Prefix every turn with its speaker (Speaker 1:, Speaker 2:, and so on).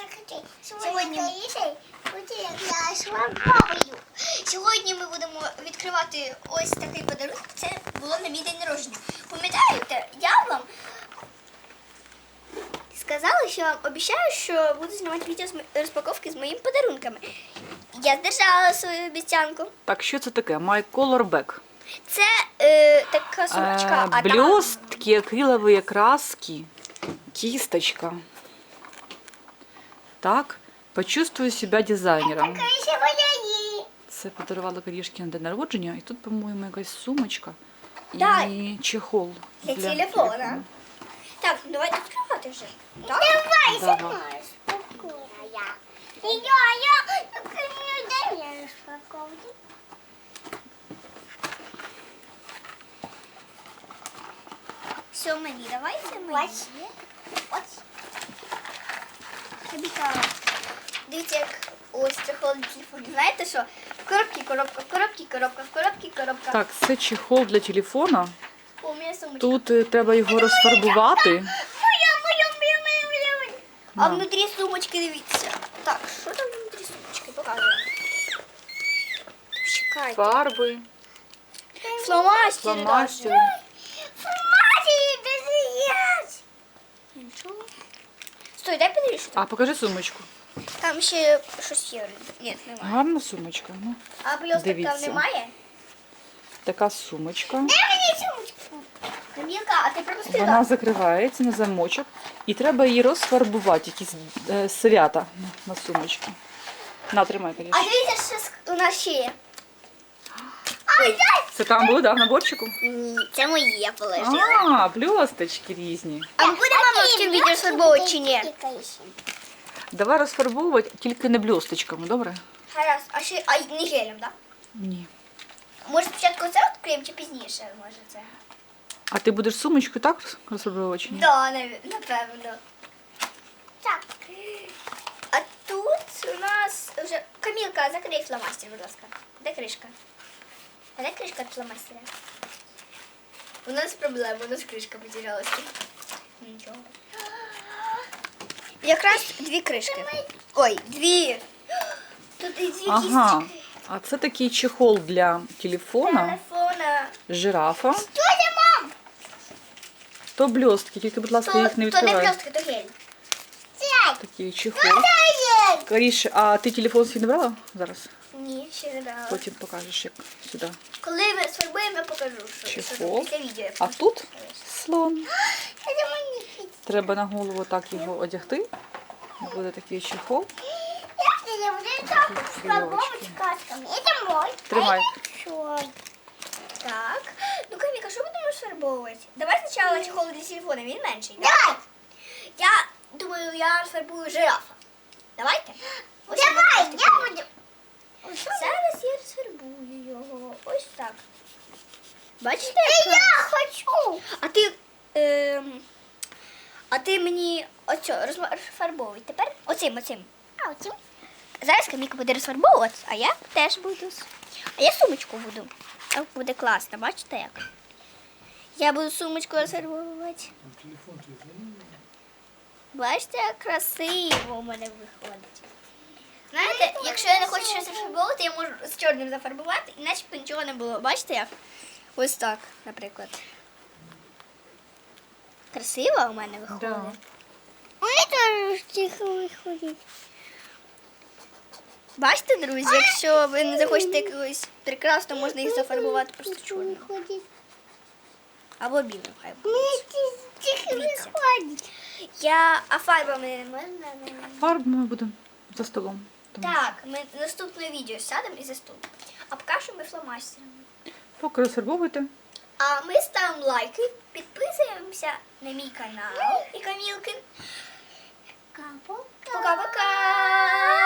Speaker 1: Сьогодні ми будемо відкривати ось такий подарунок. Це було на мій день народження. Пам'ятаєте, я вам сказала, що вам обіцяю, що буду знімати відео з розпаковки з моїми подарунками. Я здержала свою обіцянку.
Speaker 2: Так, що це таке? My Color Bag.
Speaker 1: Це така сумочка, а там...
Speaker 2: Блестки, акриловые краски, кисточка. Так, почувствую себя дизайнером. Це подарувала Карішки на день народження. І тут, по-моєму, якась сумочка
Speaker 1: Да.
Speaker 2: і чехол
Speaker 1: Для телефона. Так, давайте відкривати вже. Так?
Speaker 2: Давай.
Speaker 3: Спокойно. Я распаковки.
Speaker 1: Все, мені, давайте мені.
Speaker 3: Ось.
Speaker 1: Кабіка. Дивіться, як ось це холодний телефон. Знаєте що? В коробці коробка, в коробці коробка, в коробці коробка.
Speaker 2: Так, це чехол для телефона.
Speaker 1: О, у мене сумочка.
Speaker 2: Тут треба його розфарбувати.
Speaker 1: Моя. А внутрі сумочки, дивіться. Так, що там внутрі сумочки? Показуємо. Чекайте.
Speaker 2: Фарби,
Speaker 1: Фломастери.
Speaker 2: фломастери.
Speaker 1: Нічого. Стой, дай подивись.
Speaker 2: А, покажи сумочку.
Speaker 1: Там ще щось є. Ні, немає.
Speaker 2: Гарна сумочка. Ну,
Speaker 1: А блісток
Speaker 2: дивіться.
Speaker 1: там немає?
Speaker 2: така сумочка.
Speaker 1: Камілка, а ти пропустила?
Speaker 2: Вона закривається на замочок. І треба її розфарбувати, якісь свята на сумочці. На, тримай,
Speaker 1: А
Speaker 2: Каріш.
Speaker 1: дивіться, що у нас ще є.
Speaker 2: Це там було, да, в наборчику?
Speaker 1: Ні, це моє положила.
Speaker 2: А, блісточки різні.
Speaker 1: А ми будемо мама в цьому відео фарбовувати чи ні?
Speaker 2: Давай розфарбовувати, тільки не блісточками, добре?
Speaker 1: Гаразд, а ще не гелем, так?
Speaker 2: Ні.
Speaker 1: Може спочатку це відкриємо чи пізніше, може це?
Speaker 2: А ти будеш сумочку так розфарбовувати чи ні?
Speaker 1: Да, напевно. Так. А тут у нас вже... Камілка, закрий фломастер, будь ласка. Де кришка? А де кришка від фломастера? У нас проблема, у нас кришка потерялася. Нічого. Якраз дві кришки. Ой, дві. Тут і дві
Speaker 2: Ага.
Speaker 1: кісточки.
Speaker 2: А це такий чехол для телефона,
Speaker 1: Телефона.
Speaker 2: жирафа.
Speaker 1: Що це, мам?
Speaker 2: То блістки, тільки, будь ласка, їх не
Speaker 1: То не
Speaker 2: відкривай.
Speaker 1: блістки, то гель.
Speaker 2: Такий чехол. Каріш, а ти телефон свій не брала зараз?
Speaker 1: Ні, ще не брала.
Speaker 2: Потім покажеш, як сюди.
Speaker 1: Коли ми сфарбуємо, я покажу, що
Speaker 2: Чехол.
Speaker 1: після відео.
Speaker 2: А тут слон. Треба на голову так його одягти. Буде такий чехол.
Speaker 3: Это мой.
Speaker 2: Тримай.
Speaker 1: Так. Ну, Каміка, що будемо сфарбовувати? Давай спочатку чехол для телефона, він менший. Да?
Speaker 3: Давай.
Speaker 1: Я думаю, я сфарбую жирафа. Давайте. Ось
Speaker 3: Давай,
Speaker 1: він.
Speaker 3: я буду.
Speaker 1: Зараз я розфарбую його. Ось так. Бачите?
Speaker 3: Я
Speaker 1: як?
Speaker 3: хочу.
Speaker 1: А ти мені оцю розфарбовуй. Тепер оцим.
Speaker 3: А вот им.
Speaker 1: Зараз Каміка буде розфарбовувати, а я теж буду. А я сумочку буду. Так буде класно, бачите як? Я буду сумочку розфарбовувати. Бачите, як красиво у мене виходить. Знаєте, якщо я не хочу щось розфарбовувати, я можу з чорним зафарбувати, і начебто нічого не було. Бачите як? Ось так, наприклад. Красиво у мене виходить.
Speaker 2: Да.
Speaker 3: У меня тоже тихо выходит.
Speaker 1: Бачите, друзі, якщо ви не захочете якогось прекрасного, можна їх зафарбувати просто чорним.
Speaker 3: Выходит.
Speaker 1: Або білим хай
Speaker 3: У
Speaker 1: буде.
Speaker 3: меня тихо
Speaker 1: Видите?
Speaker 3: выходит.
Speaker 1: А фарбами не можна?
Speaker 2: Фарб ми будемо за столом. Тому
Speaker 1: Так, ми наступне відео сядемо і за стол. А поки що ми фломастерами.
Speaker 2: Поки розфарбовуйте.
Speaker 1: А ми ставимо лайки, підписуємося на мій канал і Камілкин.
Speaker 3: Капо.
Speaker 1: Пока-пока!